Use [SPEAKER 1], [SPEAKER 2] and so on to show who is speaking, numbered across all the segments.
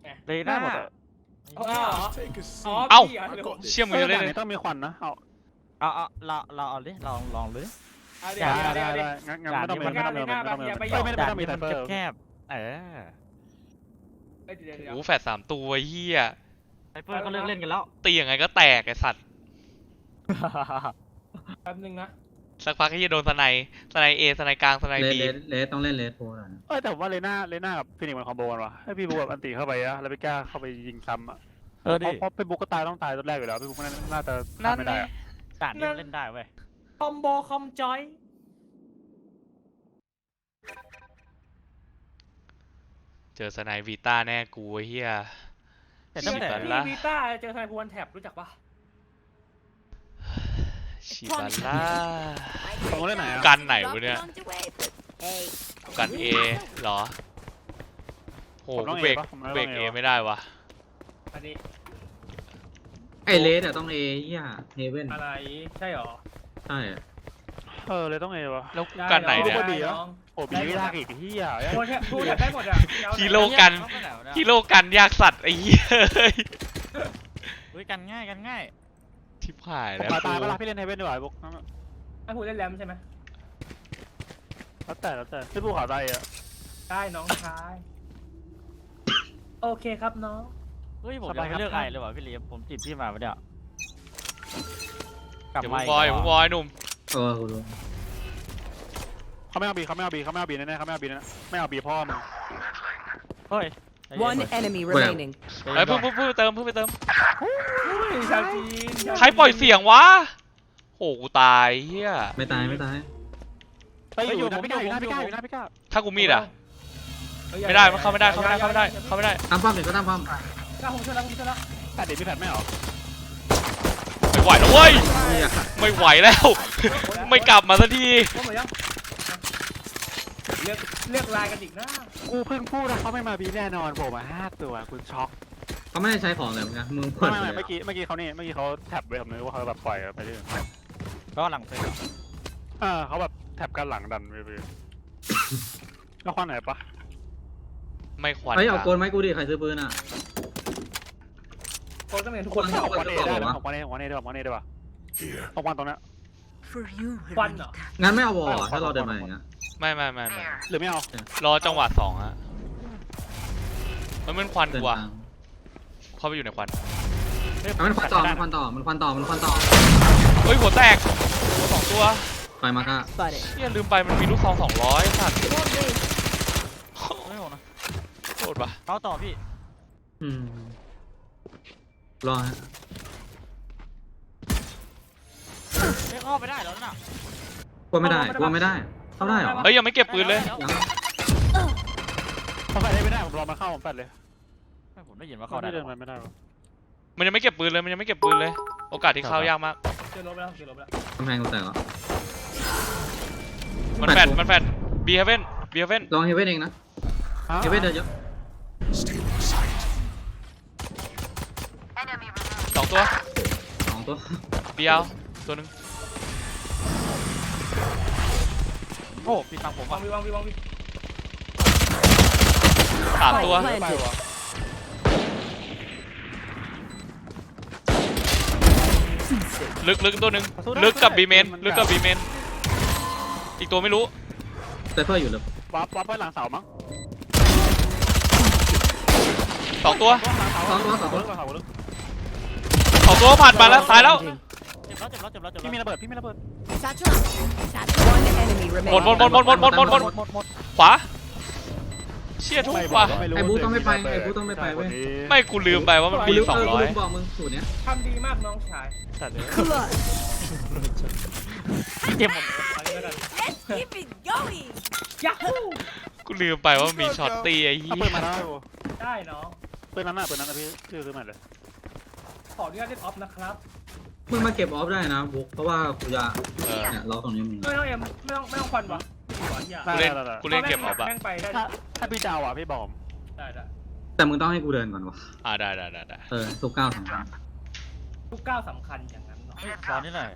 [SPEAKER 1] เลยหน้าหมด
[SPEAKER 2] อ๋ออ๋อ
[SPEAKER 3] เอ้า
[SPEAKER 2] พี่หรือผม
[SPEAKER 3] เชี่ยมึงจะเล่น
[SPEAKER 4] ด่านนี้ต้องมีควันนะเอา
[SPEAKER 1] เราเอาดิลองเลย
[SPEAKER 2] เอาดิ
[SPEAKER 4] ได้
[SPEAKER 2] เอาดิ
[SPEAKER 4] ได้
[SPEAKER 2] เอาดิ
[SPEAKER 4] งั้นไม่ต้องมีไม่ต้องมีไม่ต้องมีไม่ต้องมีไซเฟอร์
[SPEAKER 1] แคบเออ
[SPEAKER 2] เอ้ยเดี๋ยว
[SPEAKER 3] โอ้โหแฟด3 ตัวเฮีย
[SPEAKER 1] ไซเฟอร์ก็เลิกเล่นกันแล้ว
[SPEAKER 3] ตียังไงก็แตกไอสัตว์
[SPEAKER 2] แป๊บนึงนะ
[SPEAKER 3] สักพักก็จะโดนสไนเอสไนกลางสไนบี
[SPEAKER 5] เลสต้องเล่นเลสโพลนะ
[SPEAKER 4] แต่ผมว่าเลน่ากับฟินิกมันคอมโบกันว่ะให้พี่บุ๊กแบบอันตีเข้าไปอะแล้วพี่กล้าเข้าไปยิงซ้ำอะเพราะพี่บุ๊กก็ตายต้องตายตัวแรกอยู่แล้วพี่บุ๊กน่าจะทำไม่ได้อะ
[SPEAKER 1] ด่านนี้เล่นได้เว้ย
[SPEAKER 2] คอมโบคอมจอย
[SPEAKER 3] เจอสไนวีต้าแน่กูไอ้เฮีย
[SPEAKER 1] แต่ตั้งแต่
[SPEAKER 3] ละ
[SPEAKER 2] วีต้าเจอไซพวนแท็บรู้จักปะ
[SPEAKER 3] ชิบัลล่า
[SPEAKER 4] ผมเล่นไหนอะ
[SPEAKER 3] กันไหนวะเนี่ยกันเอเหรอโหกูเบรกเอไม่ได้วะ
[SPEAKER 2] อันนี้
[SPEAKER 5] ไอเลสอะต้องเอเฮียเฮเว่น
[SPEAKER 2] อะไรใช่หรอ
[SPEAKER 5] ใช่
[SPEAKER 4] เลยต้องเอวะ
[SPEAKER 3] แล้วกูกันไหนเนี่ย
[SPEAKER 4] ดีอะ โอ้บีไม่ยากอีกที่อ่ะ
[SPEAKER 2] พูดแท็บได้หมดอ่ะ
[SPEAKER 3] ฮีโร่กันฮีโร่กันยากสัตว์ไอ้เหี้ย
[SPEAKER 1] เฮ้ยกันง่าย
[SPEAKER 3] ชิบหาย
[SPEAKER 4] ผม
[SPEAKER 3] แล้ว
[SPEAKER 4] ตายเวลาพี่เล่นเฮเว่นดีกว่าบุ๊ก
[SPEAKER 2] ให้พูดเล่นแรมใช่ไหม
[SPEAKER 4] แล้วแต่พี่บุ๊กขาตายอะ
[SPEAKER 2] ได้น้องชายโอเคครับน้อง
[SPEAKER 1] เฮ้ยผมจะเลือกไอเลยว่ะพี่เลี้ยมผมจีบพี่มาปะเนี่ยกลับ
[SPEAKER 3] อย่า
[SPEAKER 1] มา
[SPEAKER 3] พุ่งบอยอย่าพุ่งบอยหนุ่ม
[SPEAKER 5] กูรู้
[SPEAKER 4] เขาไม่เอาบีแน่ๆเขาไม่เอาบีแน่ไม่เอาบีพ่อมึง
[SPEAKER 1] เฮ้ย
[SPEAKER 6] One enemy remaining.
[SPEAKER 3] เฮ้ยเพิ่งไปเติมเพิ่งไปเติม
[SPEAKER 2] ชาวจีน
[SPEAKER 3] ใครปล่อยเสียงวะโหกูตายเฮีย
[SPEAKER 5] ไม่ตาย
[SPEAKER 4] ไปอยู่นะพี่ก้าอยู่นะพี่ก้า
[SPEAKER 3] ถ้ากูมีดอ่ะไม่ได้มันเข้าไม่ได้เข้าไม่ได้เข้าไม่ได้เข้าไม่ได้
[SPEAKER 5] ตามป้อมเดี๋ยวก็ตามป้อม
[SPEAKER 2] ก้าวผมช่วยแล้วผมช่วยแล้ว
[SPEAKER 4] แต่เด็กพี่แพทไม่หรอ
[SPEAKER 3] ไม่ไหวแล้วเว้ยไม่ไหวแล้ว ไม่กลับมาสักที
[SPEAKER 2] ว่าหมดยังเลือกลายกันอีกนะ
[SPEAKER 4] กูเพิ่งพูดนะเขาไม่มาบีแน่นอนผมมา5 ตัวคุณช็อก
[SPEAKER 5] เขาไม่ได้ใช้ของเลยมึงนะมึง
[SPEAKER 4] ไม่เมื่อกี้เขาแท็บไว้ผมนึกว่าเขาแบบปล่อยไปเรื่อย
[SPEAKER 1] ก็หลังเสร็จ
[SPEAKER 4] เขาแบบแท็บกันหลังดันไปแล้วควันไหนปะ
[SPEAKER 3] ไม่ควัน
[SPEAKER 5] เฮ้ยเอาโกนไหมกูดิใครซื้อปืนอ่ะ
[SPEAKER 2] คนต้องเรียนทุก
[SPEAKER 5] ค
[SPEAKER 2] คน น
[SPEAKER 5] เอา
[SPEAKER 4] ควันเอได้นะของควันเอได้ปะเอาควันตรงนี้
[SPEAKER 6] For you,
[SPEAKER 2] ควันเหรอ
[SPEAKER 5] งั้นไม่เอาวอลถ้าเราเดินมาอย่างเงี้ย
[SPEAKER 3] ไม่
[SPEAKER 4] หรือไม่เอา
[SPEAKER 3] รอจังหวะ2ฮะมันเป็นควัน
[SPEAKER 5] เดิน
[SPEAKER 3] กว่า
[SPEAKER 5] ทาง
[SPEAKER 3] เข้าไปอยู่ในควัน
[SPEAKER 5] มันควันต่อ
[SPEAKER 3] เฮ้ยหัวแตกหัว2 ตัว
[SPEAKER 5] ไปมาก้า
[SPEAKER 6] spotted.
[SPEAKER 3] เฮียลืมไปมันมีลูกซอง200สัตว์
[SPEAKER 1] ไม่โหดนะ
[SPEAKER 3] โทษปะ
[SPEAKER 1] เขาต่อพี่
[SPEAKER 5] รอฮะ
[SPEAKER 1] ไม่เข้าไปได้แล้วน่ะ
[SPEAKER 5] กลัวไม่ได้เข้าได้เหรอ
[SPEAKER 3] เฮ้ยยังไม่เก็บปืนเลย
[SPEAKER 5] ยัง
[SPEAKER 4] เขาแฟดได้ไม่ได้ผมรอมันเข้าผมแฟดเลย
[SPEAKER 1] ผมได้ยินว่า
[SPEAKER 4] เขา
[SPEAKER 1] เข้าได้
[SPEAKER 4] เดินไปไม่ได้
[SPEAKER 3] มันยังไม่เก็บปืนเลย โอกาสที่เข้ายากมาก
[SPEAKER 2] เจอลบไปแล้วเจอลบไปแล้ว
[SPEAKER 5] กำแพงกูแตกแล้ว
[SPEAKER 3] มันแฟดบีเฮเว่น
[SPEAKER 5] ลองเฮเว่นเองนะเฮเว่นเดินเยอะ
[SPEAKER 3] 2 ตัว
[SPEAKER 5] 2 ตัว
[SPEAKER 3] บีเอาตัวหนึง
[SPEAKER 1] โอ้พี่ฟังผม
[SPEAKER 2] วา
[SPEAKER 1] ว่ะ
[SPEAKER 2] งวี
[SPEAKER 3] 3 ตัว
[SPEAKER 4] ไปวะ
[SPEAKER 3] ลึกตัวหนึงลึกกับบีเมนอีกตัวไม่รู้
[SPEAKER 5] ไซเฟอร์อยู่เลย
[SPEAKER 4] วับไปหลังเสามั้ง
[SPEAKER 3] 2 ตัว
[SPEAKER 5] 2 ตัว
[SPEAKER 3] 2 ตัวผ่านมาแล้วตายแล้ว
[SPEAKER 1] เจ็บแล้ว
[SPEAKER 4] พี่มีระเบิด
[SPEAKER 6] Satchel out. One enemy
[SPEAKER 3] หมด
[SPEAKER 6] remaining.
[SPEAKER 3] ขวาเชี่ยทุกว่ะ
[SPEAKER 5] ไอ้บูต้องไม่ไปเว้ย
[SPEAKER 3] ไม่กูลืมไปว่ามันมี
[SPEAKER 5] กูลืม
[SPEAKER 3] 200
[SPEAKER 5] บอกมึงสูตรเนี้ย
[SPEAKER 2] ทำดีมากน้องชาย
[SPEAKER 6] Clutch.
[SPEAKER 1] เจ็บหมด
[SPEAKER 2] อะไรแล้วกัน
[SPEAKER 6] Keep it going.
[SPEAKER 2] ยักฮู้
[SPEAKER 3] กูลืมไปว่ามีช็อตตีไอ้เหี้
[SPEAKER 4] เอาปืน
[SPEAKER 3] ย
[SPEAKER 4] มาได้
[SPEAKER 2] ได้น้อง
[SPEAKER 4] ปืนนั้นพี่ซื้อใหม่เลย
[SPEAKER 2] ขออนุญาตเล่นออฟนะครับ
[SPEAKER 5] มึงมาเก็บออฟได้นะบุ๊กเพราะว่ากูจะ
[SPEAKER 3] เออ
[SPEAKER 5] เนี่ยล็อกตรงนี้มึง
[SPEAKER 2] ไม่ต้องเอ็มไม่ต้องควันวะไม่ต้องอย่า
[SPEAKER 3] กูเล่นเก็บออฟอะ
[SPEAKER 2] แม่งไปได้
[SPEAKER 4] ถ้าพี่เจ้าอ่ะพี่บอม
[SPEAKER 2] ได้
[SPEAKER 5] แต่มึงต้องให้กูเดินก่อนวะ
[SPEAKER 3] ได้
[SPEAKER 5] ทุกก้าวสำคัญ
[SPEAKER 2] ทุกก้าวสำคัญอย่างนั้นเนาะ
[SPEAKER 1] ตอนนี้หน่อย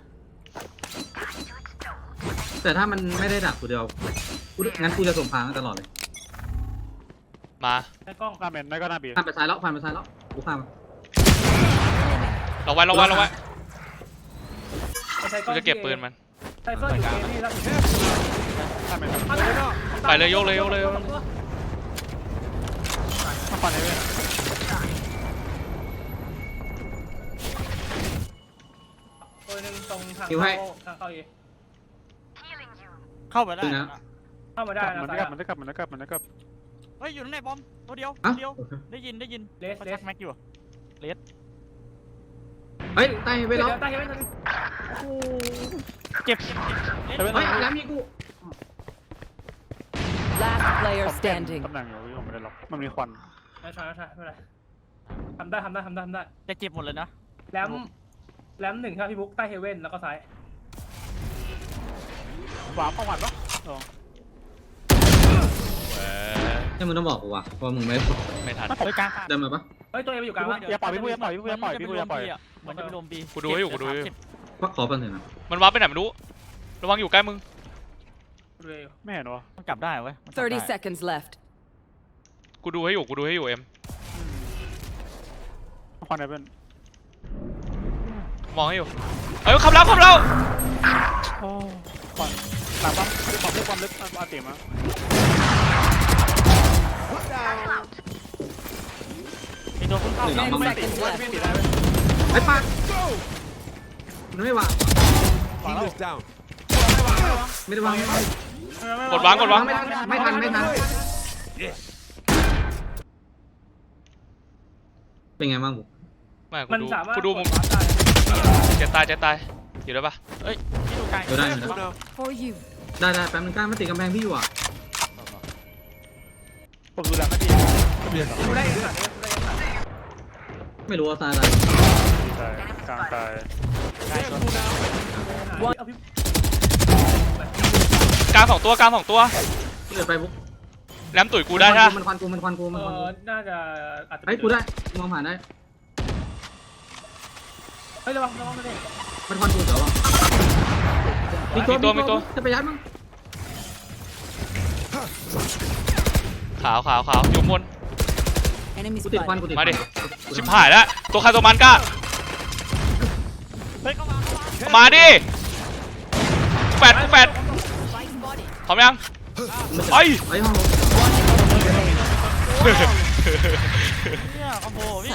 [SPEAKER 5] แต่ถ้ามันไม่ได้ดักกูเดียวงั้นกูจะส่งพางตลอดเลย
[SPEAKER 3] มา
[SPEAKER 2] ใช้กล้อง
[SPEAKER 4] หน้าเมนไม่ก็หน้าบี
[SPEAKER 5] ผ่านไปซ้ายแล้วผ่านไปซ้ายแล้วกูข้าม
[SPEAKER 3] เราไว้เราไว้เราไว้
[SPEAKER 2] ใช้ก
[SPEAKER 3] กู
[SPEAKER 2] ล้อง
[SPEAKER 3] จะเก็บปืนมัน
[SPEAKER 2] ไซเฟอร์อยู่เอนี่แล้ว
[SPEAKER 4] หน้าเมน
[SPEAKER 3] ไปเลยยกเลยยกเลย
[SPEAKER 4] มาฟันให้เว้ย
[SPEAKER 2] ตัวหนึ่งตรงทางเข้าเอ
[SPEAKER 1] เข้าไปได้นะ
[SPEAKER 2] เข้ามาได้นะ
[SPEAKER 4] มัน
[SPEAKER 2] ซ้า
[SPEAKER 4] ได้
[SPEAKER 2] ย
[SPEAKER 4] กลับมันได้กลับมันได้กลับมันได้กลับ
[SPEAKER 1] เฮ้ยอยู่นั่นไหนบอมตัวเดียว
[SPEAKER 5] อ่ะ
[SPEAKER 1] ตัวเดียว
[SPEAKER 5] โอเค
[SPEAKER 1] ได้ยิน
[SPEAKER 2] เลส
[SPEAKER 1] เขา
[SPEAKER 2] เล
[SPEAKER 1] ชั
[SPEAKER 2] ส
[SPEAKER 1] กแม็กอยู่
[SPEAKER 5] เฮ้ยใต้ไปแล้ว
[SPEAKER 2] ใต้เฮเว่น
[SPEAKER 1] เจ็บ
[SPEAKER 4] แต่เป็น
[SPEAKER 5] เฮ้ยแล้วมีกู
[SPEAKER 6] Last player
[SPEAKER 4] ผมเปลี่ยน
[SPEAKER 6] standing.
[SPEAKER 4] ตำแหน่งอยู่พี่ผมไม่ได้ล็อกมันมีควัน
[SPEAKER 2] ใช่ไม่เป็นไรทำได้
[SPEAKER 1] จะเจ็บหมดเลยนะ
[SPEAKER 2] แรมหนึ่งครับพี่บุ๊กใต้เฮเว่นแล้วก็ซ้าย
[SPEAKER 4] ขวาเข้าหวัดปะ
[SPEAKER 5] นี่มึงต้องบอกกูว่ะเพราะมึงไม่
[SPEAKER 3] ไม่ทัน
[SPEAKER 1] เฮ้ยกลางขาด
[SPEAKER 5] เดินมาปะ
[SPEAKER 2] เฮ้ยตัวเอไปอยู่กลางวะ
[SPEAKER 4] อย่าปล่อยพี่ปุ้ยอย่าปล่อยพี่ปุ้ยอย่าปล่อยพี่ปุ้ยอย่าปล่อย
[SPEAKER 1] เหมือนจะไปรวมบี
[SPEAKER 3] กูดูให้อยู่กูดูให้อยู่
[SPEAKER 5] ว่าขอแป๊บนึงนะ
[SPEAKER 3] มันวาร์ปไปไหนไม่รู้ระวังอยู่ใกล้มึง
[SPEAKER 2] ตัวเอ
[SPEAKER 4] ไม่เห็นวะ
[SPEAKER 1] มันกลับได้เว้ยมันกลับได้
[SPEAKER 6] 30 seconds left.
[SPEAKER 3] กูดูให้อยู่เอ็ม
[SPEAKER 4] ควันไหนเป็น
[SPEAKER 3] มองให้อยู่เอ้ยขับแล้ว
[SPEAKER 4] โอ้ควันหลังปั๊มความลึกอาเตียมา
[SPEAKER 1] มีตัวพุ่งเข้า
[SPEAKER 5] หนึ่ง
[SPEAKER 6] 10
[SPEAKER 5] บัง
[SPEAKER 6] seconds left.
[SPEAKER 5] ไอ้ปากมันไม่วาง
[SPEAKER 7] Healers down.
[SPEAKER 5] ไม่ได้วางไม่วาง
[SPEAKER 3] กดวาง
[SPEAKER 5] ไม่ทันเป็นไงบ้างกู
[SPEAKER 3] ไม่
[SPEAKER 2] มัน
[SPEAKER 3] กู
[SPEAKER 2] สามารถ
[SPEAKER 3] ดูมุม
[SPEAKER 2] ได้
[SPEAKER 3] เจ็บตายอยู่ได้ปะ
[SPEAKER 1] ที่ดูกลาง
[SPEAKER 5] เดี๋ยวได้
[SPEAKER 7] Careful now.
[SPEAKER 6] For you.
[SPEAKER 5] ได้แป๊บนึงกล้ามาติดกำแพงพี่อยู่อ่ะ
[SPEAKER 4] ผมดูแลไม่ดี
[SPEAKER 2] ดูได้สัตว์ได้สัตว์
[SPEAKER 5] ไม่รู้ว่าตายอะไร
[SPEAKER 4] ตายกลางตาย
[SPEAKER 2] เอาพี่
[SPEAKER 3] กลางสองตัว
[SPEAKER 5] เดินไปบุ๊ก
[SPEAKER 3] แหลมตุ๋ยกูได้ใช่ปะ
[SPEAKER 5] มันควันกู
[SPEAKER 2] น่าจะอาจจะ
[SPEAKER 5] ไอ้กูได้มองผ่านได้
[SPEAKER 2] เฮ้ยระวังไม่ได้
[SPEAKER 5] มันควันกูเดี๋ยวอ่ะมีตัวจะไปยัดมั้ง
[SPEAKER 3] ขาวอยู่บน
[SPEAKER 6] Enemy
[SPEAKER 5] กูติดควัน
[SPEAKER 6] spotted.
[SPEAKER 3] มาดิ ชิบหายแล้วตัวใครตัวมันกล้า
[SPEAKER 1] เฮ้ยเข้ามา
[SPEAKER 3] มาดิแฟด
[SPEAKER 6] Spike spotted.
[SPEAKER 3] พร้อมยังไอ้
[SPEAKER 5] ไอ้ห้อง
[SPEAKER 1] เนี่ยคอมโบพี่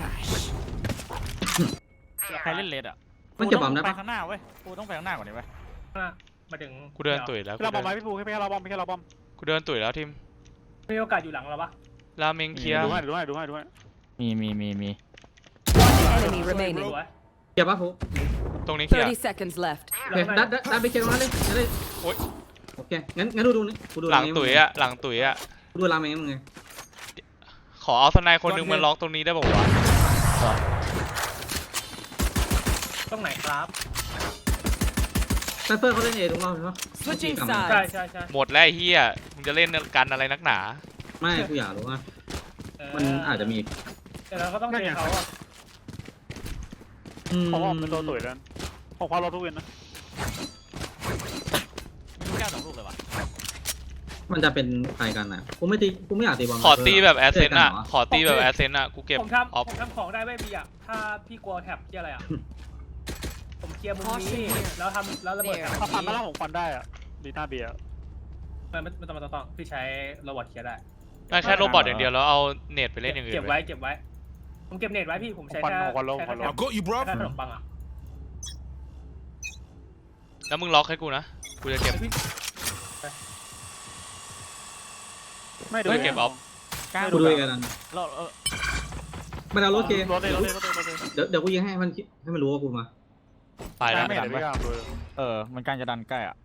[SPEAKER 1] ใครเล่นเลดอ่ะ
[SPEAKER 5] มันเก็บบอมได้
[SPEAKER 1] ไป
[SPEAKER 5] ปะ
[SPEAKER 1] ข้างหน้าเว้ยกูต้องไปข้างหน้าก่อนดิเว้ย
[SPEAKER 2] มาถึง
[SPEAKER 3] กูเดินตุ๋ยแล้ว
[SPEAKER 4] เราบอมไหมพี่ปูให้แค่เราบอมให้แค่เราบอม
[SPEAKER 3] กูเดินตุ๋ยแล้วทีม
[SPEAKER 2] มีโอกาสอยู่หลังเราปะ
[SPEAKER 3] ราเมงเคลียร์
[SPEAKER 4] ดูให้
[SPEAKER 1] มี
[SPEAKER 6] Enemy
[SPEAKER 2] ส
[SPEAKER 6] remaining.
[SPEAKER 2] วย
[SPEAKER 5] เก็บปะปุ๊
[SPEAKER 3] ตรงนี้เคลียร์
[SPEAKER 6] 30 seconds left.
[SPEAKER 5] โอเคดันไปเก็บตรงนั้นเลย
[SPEAKER 3] โอ๊ย
[SPEAKER 5] โอเคงั้นดูนี่กูดู
[SPEAKER 3] หลังตุ๋ยอะ
[SPEAKER 5] กูดูรามเองมึงไง
[SPEAKER 3] ขอเอาสไนคนหนึงมาล็อกตรงนี้ได้ป่าวะ
[SPEAKER 2] ตรงไหนครับ
[SPEAKER 5] ไซเฟอร์เขาเล่นเอทุกรอบใช่ปะ
[SPEAKER 6] Switching
[SPEAKER 2] ใช่
[SPEAKER 6] sides.
[SPEAKER 2] ใช่
[SPEAKER 3] หมดแล้วไอ้เฮียมึงจะเล่นกันอะไรนักหนา
[SPEAKER 5] ไม่กูอยากรู้ว่ามันอาจจะมี
[SPEAKER 2] แต่เราก็ต้องเจอเขาอ่ะ
[SPEAKER 4] เขาบอมเป็นตัวตุ๋ยแล้วของความเราทุกเวนนะ
[SPEAKER 1] ลูกแก้ว2 ลูกเลยวะ
[SPEAKER 5] มันจะเป็นใครกันนะกูไม่อยากตีบอล
[SPEAKER 3] ขอตีแบบแอสเซนต์อะกูเก็บ
[SPEAKER 2] ผม
[SPEAKER 3] ออฟ
[SPEAKER 2] ทำของได้ไม่บีอ่ะถ้าพี่กลัวแท็บที่อะไรอ่ะผมเคลียร์มุมนี้แล้วระเบิดแท็บ
[SPEAKER 4] ถ้าฟันมาแล้วผมฟันได้อะดีหน้าเบียร์
[SPEAKER 2] ไม่ต้องพี่ใช้ระบบเคลียร์ได้
[SPEAKER 3] ไม่แค่โรบอทอย่างเดียวแล้วเอาเน็ตไปเล่นอย่างอื่น
[SPEAKER 2] เก็บ
[SPEAKER 3] ไป
[SPEAKER 2] ไว้ผมเก็บเน็ตไว้พี่ผมใช้
[SPEAKER 4] ควัน
[SPEAKER 2] แค่
[SPEAKER 4] ควันลง
[SPEAKER 7] I got you, bro.
[SPEAKER 2] แค่ขนมปังอ่ะ
[SPEAKER 3] แล้วมึงล็อกให้กูนะกูจะเก็บ
[SPEAKER 4] ไม่ดู
[SPEAKER 3] เฮ้ยเก็บออฟ
[SPEAKER 1] กลาง
[SPEAKER 5] กูดูกัน
[SPEAKER 1] เรา
[SPEAKER 5] มันเอารถเก
[SPEAKER 4] รถเลย
[SPEAKER 5] เดี๋ยวกูยิงให้มันรู้ว่ากูมา
[SPEAKER 3] ไปแล้ว
[SPEAKER 4] ไม่เห็นไม่กล้าดู
[SPEAKER 1] มันกลางจะดันใกล้อ่ะ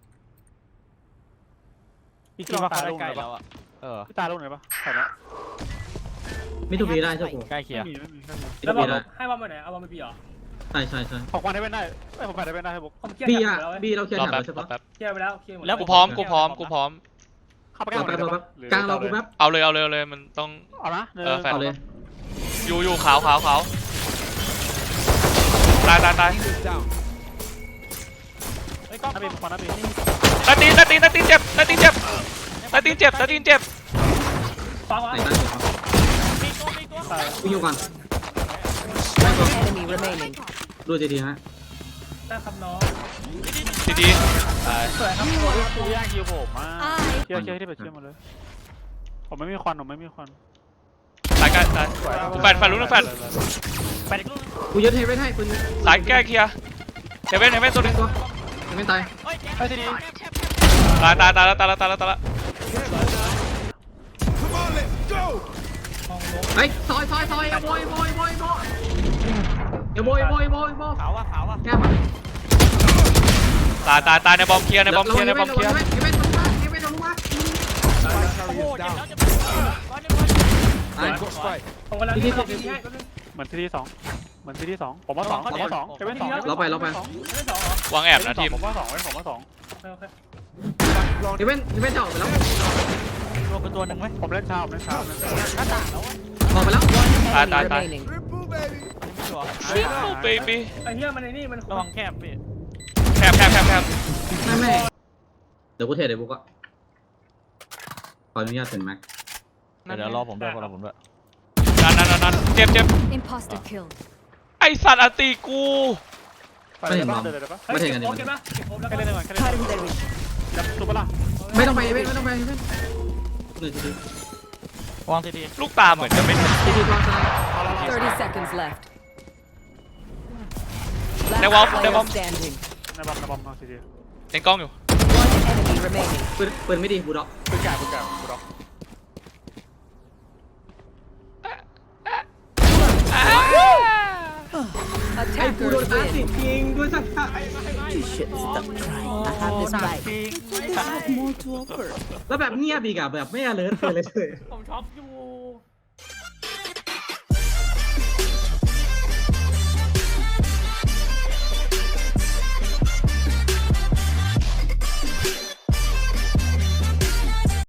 [SPEAKER 1] พี่คิดว่าเขาได้ใกล้แล้วอ่ะ
[SPEAKER 4] พี่ตาลูกไหนปะใช่แล้ว
[SPEAKER 5] ไม่ถูกดีได้ใช่กู
[SPEAKER 1] ใกล้เคียร์
[SPEAKER 4] ไม่มี
[SPEAKER 5] ไม่
[SPEAKER 2] แล้ว
[SPEAKER 5] ถูกดีได้
[SPEAKER 2] ให้ว่ามาไหนเอาว่าไม่บีเหรอ
[SPEAKER 5] ใช่
[SPEAKER 4] ของควันได้เป็นได้ผมฟันได้เป็นได้ให้บุ๊ก
[SPEAKER 2] ผมเคลียร์
[SPEAKER 5] บี
[SPEAKER 2] แท็
[SPEAKER 5] อ่ะ
[SPEAKER 2] บแล้ว
[SPEAKER 5] บีเราเคลียร์
[SPEAKER 3] รอ
[SPEAKER 5] แถบ
[SPEAKER 3] แป๊บ
[SPEAKER 5] ใช่
[SPEAKER 3] รอ
[SPEAKER 5] ปะ
[SPEAKER 3] แป๊บ
[SPEAKER 2] เคลียร์ไปแล้วเคลียร์หมด
[SPEAKER 3] แล้วกูพร้อม
[SPEAKER 5] เข้าไป
[SPEAKER 4] เข้าไป
[SPEAKER 5] รอแป๊บกลางเรากูแป๊บ
[SPEAKER 3] เอาเลยมันต้อง
[SPEAKER 4] เอานะ
[SPEAKER 5] เอาเลย
[SPEAKER 3] อยู่ขาวตาย
[SPEAKER 7] Healers down.
[SPEAKER 1] เฮ้ยกล้อง
[SPEAKER 4] น้าเบียร์ควันน้าเบียร์
[SPEAKER 3] ตาตีนเจ็บ
[SPEAKER 2] ไปฟังวะ
[SPEAKER 5] ไหนตั้งอยู่ครับ
[SPEAKER 1] มีตัวมีตัว
[SPEAKER 5] กูอยู่ก่อน
[SPEAKER 6] One enemy remaining.
[SPEAKER 5] ดูทีฮะ
[SPEAKER 2] ได้ครับน้อง
[SPEAKER 3] ทีดีตาย
[SPEAKER 4] สวยครับกูย่างคิวผมมาเชี่ยที่ไปเชี่ยมาเลยผมไม่มีควันผมไม่มีควัน
[SPEAKER 3] ตายใกล้ตายแฟนลุ้นแฟน
[SPEAKER 1] ไปอีกลูก
[SPEAKER 5] กูยึดเฮเว่นให้ปืน
[SPEAKER 3] สายแก้เคลียร์เฮเว่นตัวนึง
[SPEAKER 5] ตัวเฮเว่นตาย
[SPEAKER 1] เฮ้ย
[SPEAKER 4] ไอ้ทีนี้
[SPEAKER 3] ตายแล้ว
[SPEAKER 7] Come on, let's go.
[SPEAKER 5] เฮ้ยซอยอย่าโบยอย่าโบย
[SPEAKER 1] ขาวอ่ะ
[SPEAKER 5] แก้มา
[SPEAKER 3] ตายในบอมเคลียร์ในบอมเคลียร์
[SPEAKER 5] เฮเว่นลงมา
[SPEAKER 1] โอ้โหเจ็บแล้วจะ
[SPEAKER 5] ตาย
[SPEAKER 7] Got strike.
[SPEAKER 2] ผมกำลังที่ให้แป๊บนึง
[SPEAKER 4] เหมือนที่สองผมว่าสองเอเว่นสอง
[SPEAKER 5] เราไป
[SPEAKER 2] ไม่ได้สองเหรอ
[SPEAKER 3] วางแอบนะทีม
[SPEAKER 4] ผมว่าสอง
[SPEAKER 2] โอเค
[SPEAKER 5] เฮเว่นจะออกไปแล้ว
[SPEAKER 1] รวมเป็นตัวหนึ่งไหม
[SPEAKER 4] ผมเล่นเช้า
[SPEAKER 1] หน้าต่างแล้ววะ
[SPEAKER 5] ออกไปแล้ว
[SPEAKER 6] Enemy
[SPEAKER 3] Tai.
[SPEAKER 6] remaining.
[SPEAKER 7] Triple, baby.
[SPEAKER 3] เบบี้
[SPEAKER 2] ไอ้เหี้ยมันไอ้นี่มัน
[SPEAKER 1] ระวังแคบพี่
[SPEAKER 3] แคบ
[SPEAKER 5] แม่เดี๋ยวกูเทเดี๋ยวกูก็ขออนุญาตเป็นแม็ก
[SPEAKER 1] เดี๋ยวรอผมด้วยรอผมด้วย
[SPEAKER 3] นั่นเจ็บ
[SPEAKER 6] Imposter kill.
[SPEAKER 3] ไอสัตว์อติกู
[SPEAKER 4] เดินได้ปะ
[SPEAKER 5] ไม่เทกัน
[SPEAKER 2] โอ
[SPEAKER 5] เดี๋ยว
[SPEAKER 2] เคปะเก็บครบแล้ว
[SPEAKER 4] แค่เล่นก่อนแค่เล่น
[SPEAKER 6] Cutting their reach.
[SPEAKER 4] จับตัวปะล่ะ
[SPEAKER 5] ไม่ต้องไปเฮเว่น1 ที
[SPEAKER 1] วางทีดี
[SPEAKER 3] ลูกตาเหมือนจะไม่ถึง
[SPEAKER 5] ทีวางซ้าย
[SPEAKER 6] 30 seconds left.
[SPEAKER 3] They
[SPEAKER 6] Last
[SPEAKER 3] won't- they
[SPEAKER 6] player
[SPEAKER 3] won't.
[SPEAKER 6] standing.
[SPEAKER 4] ในบอมเอาทีเดียว
[SPEAKER 3] เล่นกล้องอยู่
[SPEAKER 6] One enemy remaining.
[SPEAKER 5] ปืนไม่ดีบูด็อก
[SPEAKER 4] ปืนแก่กูรอ
[SPEAKER 5] ไอ้กูโดน
[SPEAKER 6] Attackers
[SPEAKER 5] อาร์ติ
[SPEAKER 6] win.
[SPEAKER 5] จริงด้วยสัก
[SPEAKER 6] You should stop trying. I have this fight.
[SPEAKER 1] จริง
[SPEAKER 6] I have more to offer.
[SPEAKER 5] แล้วแบบเงียบอีกอะแบบไม่ alert เลย
[SPEAKER 1] ผมช็อปอยู่